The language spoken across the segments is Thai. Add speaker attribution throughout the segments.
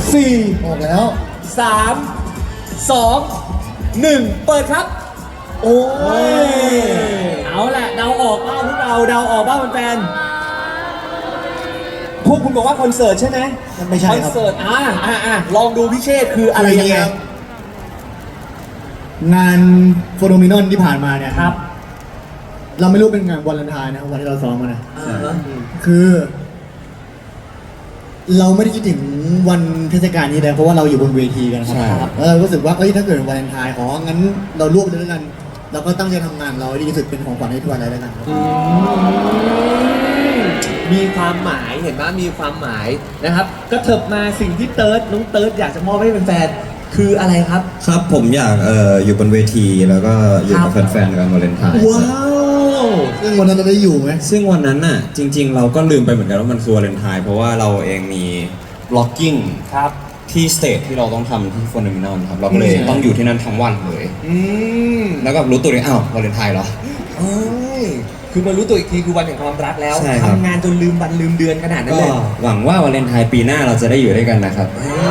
Speaker 1: ออกแล้ว
Speaker 2: 3 2 1 เปิดครับ โอ้ยเอาแหละเดาออกบ้างพวกเราเดาออกบ้างแฟนพวกคุณบอกว่าคอนเสิร์ตใช่ไหม
Speaker 1: ไม่ใช่
Speaker 2: คอน
Speaker 1: ครับ
Speaker 2: เสิร์ตลองดูพี่เชษคืออะไรยังไง
Speaker 1: งานโฟโนมินอนที่ผ่านมาเนี่ย
Speaker 2: ครับ
Speaker 1: เราไม่รู้เป็นงานวันเลนไทน์นะครับวันที่เราซ้อมมานะ คือ เราไม่ได้คิดถึงวันเทศกาลนี้เลยเพราะว่าเราอยู่บนเวทีกันครับแล้วเรารู้สึกว่าเอ้ยถ้าเกิดวันเลนไทน์งั้นเราร่วมไปด้วยกัน เราก็ตั้งใจทำงานเราให้ดีที่สุดเป็นของขวัญให้ทุกวันเลยแล้วกันครับ
Speaker 2: มีความหมายเห็นไหมมีความหมายนะครับก็เถิบมาสิ่งที่น้องเติร์ดอยากจะมอบให้แฟนๆคืออะไรครับ
Speaker 3: ครับผมอยากอยู่บนเวทีแล้วก็อยู่กับแฟนๆกันวาเลนไทน์
Speaker 2: ว้าว
Speaker 1: ซึ่งวันนั้นเราได้อยู่ไหม
Speaker 3: ซึ่งวันนั้นน่ะจริงๆเราก็ลืมไปเหมือนกันว่ามันคือวาเลนไทน์เพราะว่าเราเองมีบล็อกกิ้ง
Speaker 2: ครับ
Speaker 3: ที่สเตจที่เราต้องทำที่โฟนมินอนครับเราก็เลยต้องอยู่ที่นั่นทั้งวันเลย
Speaker 2: ม
Speaker 3: แล้วก็รู้ตัวเลยอ้าววาเลนไทน์เหรอ
Speaker 2: เอ้ยคือมารู้ตัวอีกทีคือวันแห่งความรักแล้ว
Speaker 3: ใช่ครับ
Speaker 2: ทำงานจนลืมวันลืมเดือนขนาดนั้น
Speaker 3: ก็
Speaker 2: เลย
Speaker 3: หวังว่าวาเลนไทน์ปีหน้าเราจะได้อยู่ด้วยกันนะครับ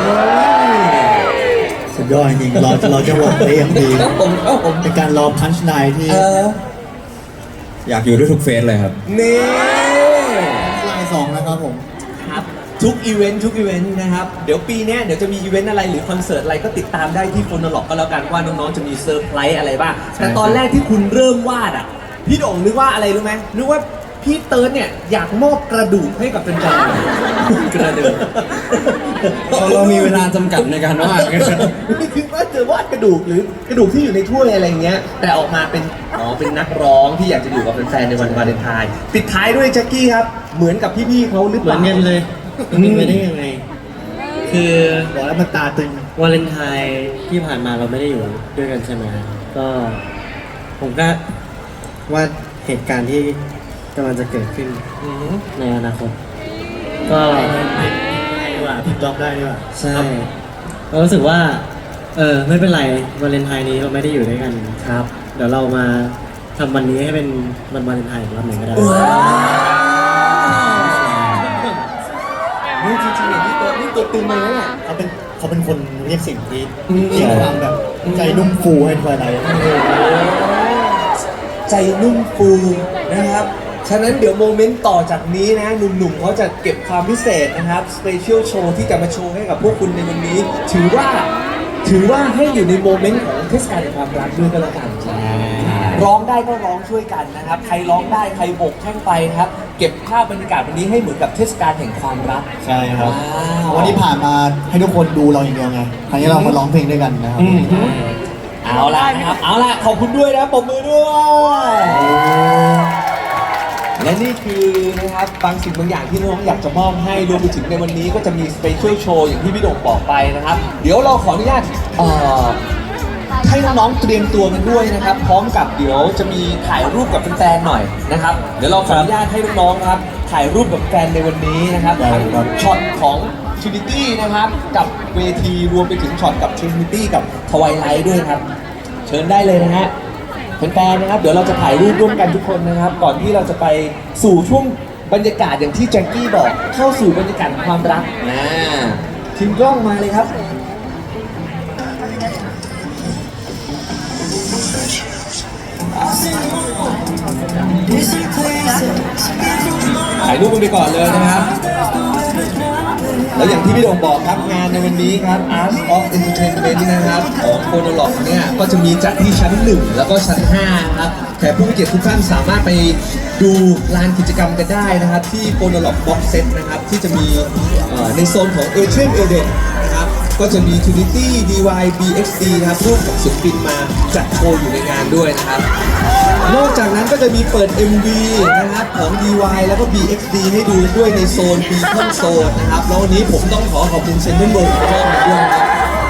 Speaker 1: สุดยอดจริงๆเราจะบอกได้อย่างดี
Speaker 2: ผม
Speaker 1: เป็นการรอพันช์ไลน์ที่
Speaker 3: อยากอยู่ด้วยทุกเฟสเลยครับ
Speaker 2: นี่
Speaker 1: ไลน์สองนะครับผม
Speaker 2: ครับทุกอีเวนต์นะครับเดี๋ยวปีเนี้ยเดี๋ยวจะมีอีเวนต์อะไรหรือคอนเสิร์ตอะไรก็ติดตามได้ที่โฟนล็อกก็แล้วกันว่าน้องๆจะมีเซอร์ไพรส์อะไรบ้างแต่ตอนแรกที่คุณเริ่มวาดอ่ะพี่โด่งนึกว่าอะไรรู้ไหมนึกว่าพี่เติร์ดเนี่ยอยากมอบกระดูกให้กับแฟนๆ
Speaker 3: กระดูก เรามีเวลาจำกัดในการวาด
Speaker 2: ไม่คิดว่าจะวาดกระดูกหรือกระดูกที่อยู่ในถ้วยอะไรเงี้ยแต่ออกมาเป็นเป็นนักร้องที่อยากจะอยู่กับแฟนๆในวันวาเลนไทน์ปิดท้ายด้วยแจ็คกี้ครับเหมือนกับพี่ๆเขาหรือ
Speaker 4: เห
Speaker 2: เป
Speaker 4: มือ
Speaker 2: ล่า
Speaker 4: นกันเลยเป็นไปได้ยังไง คือ
Speaker 1: บอกแล้วมันตาตึง
Speaker 4: วาเลนไทน์ที่ผ่านมาเราไม่ได้อยู่ด้วยกันใช่ไหมก็ผมก็ว่าเหตุการณ์ที่กำลังจะเกิดขึ้น
Speaker 2: อืม
Speaker 4: ในอนาคต ก็
Speaker 1: ดีกว่าผิดจอบได้ดีกว่า
Speaker 4: ใช่เรารู้สึกว่า ไม่เป็นไรวาเลนไทน์นี้เราไม่ได้อยู่ด้วยกันครับ เดี๋ยวเรามาทำวันนี้ให้เป็นวันวาเลนไทน์อีกรอบหนึ่งก็ได้
Speaker 2: นี่จริงๆเนี่ยนี่ตัวตึงเลยนะเนี่ย
Speaker 1: เขาเป็นคนเรียกสิ่งที่
Speaker 2: อืม
Speaker 1: เรียกความแบบใจนุ่มฟูให้ทุกวันเลย
Speaker 2: ใจนุ่มฟูนะครับ ฉะนั้นเดี๋ยวโมเมนต์ต่อจากนี้นะหนุ่มๆเขาจะเก็บความพิเศษนะครับสเปเชียลโชว์ที่จะมาโชว์ให้กับพวกคุณในวันนี้ ถือว่าให้อยู่ในโมเมนต์ของเทศกาลแห่งความรักด้วยก็แล้วกันร้องได้ก็ร้องช่วยกันนะครับ ใครร้องได้ใครโบกแข้งไปนะครับ เก็บภาพบรรยากาศวันนี้ให้เหมือนกับเทศกาลแห่งความรัก
Speaker 1: ใช่ครับ
Speaker 2: ว้าว
Speaker 1: วันนี้ผ่านมาให้ทุกคนดูเราอย่างเดียวไงครั้งนี้เรามาร้องเพลงด้วยกันนะครับ
Speaker 2: เอาล่ะนะครับเอาล่ะขอบคุณด้วยนะปรบมือด้วยและนี่คือนะครับบางสิ่งบางอย่างที่น้องอยากจะมอบให้รวมไปถึงในวันนี้ก็จะมีสเปเชียลโชว์อย่างที่พี่โด่งบอกไปนะครับ เดี๋ยวเราขออนุญาตให้น้องๆเตรียมตัวกันด้วยนะครับ พร้อมกับเดี๋ยวจะมีถ่ายรูปกับแฟนๆหน่อยนะครับ เดี๋ยวเราขออนุญาตให้น้องๆนะครับถ่ายรูปกับแฟนในวันนี้นะครับทั้งช็อตของ Trinity นะครับกับเวทีรวมไปถึงช็อตกับ Trinity กับ Twilight ด้วยครับ เชิญได้เลยนะฮะแฟนๆนะครับเดี๋ยวเราจะถ่ายรูปร่วมกันทุกคนนะครับ ก่อนที่เราจะไปสู่ช่วงบรรยากาศอย่างที่แจ็คกี้บอกเข้าสู่บรรยากาศของความรักทีมกล้องมาเลยครับถ่ายรูปกันไปก่อนเลยนะครับ แล้วอย่างที่พี่โด่งบอกครับงานในวันนี้ครับ Art of Entertainment นะครับของโฟโนล็อกเนี่ยก็จะมีจัดที่ชั้น 1 แล้วก็ชั้น 5 ครับแขกผู้มีเกียรติทุกท่านสามารถไปดูลานกิจกรรมกันได้นะครับที่โฟโนล็อกบ็อกเซตนะครับที่จะมีในโซนของเอเชียนเอเดนนะครับก็จะมี Trinity DY BXD นะครับร่วมกับศิลปินมาจัดโชว์อยู่ในงานด้วยนะครับ นอกจากนั้นก็จะมีเปิด MV นะครับของ DY แล้วก็ BXD ให้ดูด้วยในโซน Beacon Zone นะครับแล้ววันนี้ผมต้องขอบคุณเซนเตอร์เวิร์กรอบมาด้วยนะครับ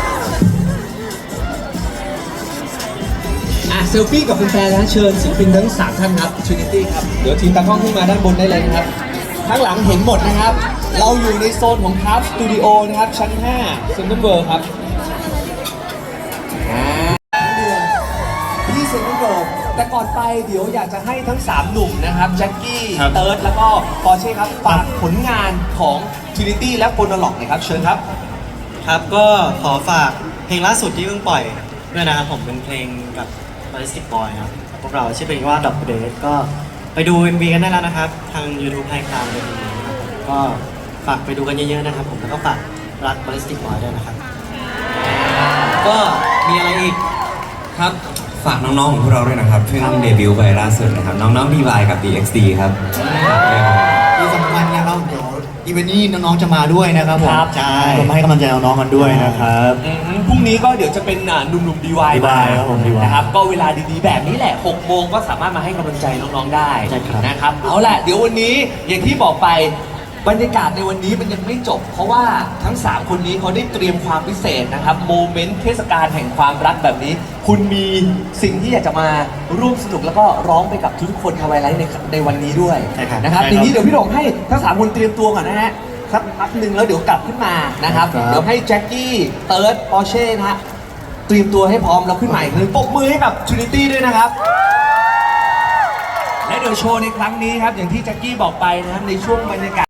Speaker 2: เซลฟี่กับแฟนๆนะเชิญศิลปินทั้ง 3 ท่านครับ Trinity ครับ เดี๋ยวทีมตากล้องขึ้นมาด้านบนได้เลยนะครับ ข้างหลังเห็นหมดนะครับ เราอยู่ในโซนของ Craft Studio นะครับ ชั้น 5 เซนเตอร์เวิร์กครับที่เซนเตอร์เวิร์กแต่ก่อนไปเดี๋ยวอยากจะให้ทั้ง 3 หนุ่มนะครับแจ็คกี้เติร์ดแล้วก็ปอร์เช่ครับฝากผลงานของ Trinity และโฟโนล็อกหน่อยครับเชิญครับ
Speaker 4: ครับก็ขอฝากเพลงล่าสุดที่เพิ่งปล่อยด้วยนะครับผมเป็นเพลงกับ Ballistic Boy ครับพวกเราชื่อเพลงว่า Double Date ก็ไปดู MV กันได้แล้วนะครับ ทาง YouTube ไฮคลาวด์เลยนะครับผมก็ฝากไปดูกันเยอะๆนะครับผมแล้วก็ฝากรัก Ballistic Boy ด้วยนะครับ ก็มีอะไรอีก
Speaker 3: ครับฝากน้องๆของพวกเราด้วยนะครับเพิ่งเดบิวต์ไปล่าสุดนะครับน้องๆ DY กับ DXD ครับ
Speaker 1: ที่สำคัญนะครับเดี๋ยวอีเวนต์นี้น้องๆจะมาด้วยนะครับผม
Speaker 2: ครับ
Speaker 1: ใช่ก็มาให้กำลังใจน้องๆกันด้วยนะครับ
Speaker 2: พรุ่งนี้ก็เดี๋ยวจะเป็นหนุ่มๆ DY มา
Speaker 1: DY ครับผม DY
Speaker 2: นะครับก็เวลาดีๆแบบนี้แหละ6โมงก็สามารถมาให้กำลังใจน้องๆได้
Speaker 1: ใช่ครับ
Speaker 2: นะครับเอาล่ะเดี๋ยววันนี้อย่างที่บอกไปบรรยากาศในวันนี้มันยังไม่จบ เพราะว่าทั้ง 3 คนนี้เขาได้เตรียมความพิเศษนะครับโมเมนต์เทศกาลแห่งความรักแบบนี้ คุณมีสิ่งที่อยากจะมาร่วมสนุกแล้วก็ร้องไปกับทุกคนทวายไลท์ในวันนี้ด้วย
Speaker 1: ใช่ครับ
Speaker 2: นะครับ
Speaker 1: ใช่ครับ
Speaker 2: ทีนี้เดี๋ยวพี่หลงให้ทั้ง 3 คนเตรียมตัวก่อนนะฮะสักพักหนึ่งแล้วเดี๋ยวกลับขึ้นมานะครับ
Speaker 1: ครับ
Speaker 2: เดี๋ยวให้แจ็คกี้เติร์ดปอร์เช่นะฮะเตรียมตัวให้พร้อมแล้วขึ้นใหม่เลยปรบมือให้กับ Trinity ด้วยนะครับ และเดี๋ยวโชว์ในครั้งนี้ครับอย่างที่แจ็คกี้บอกไปนะครับในช่วงบรรยากาศ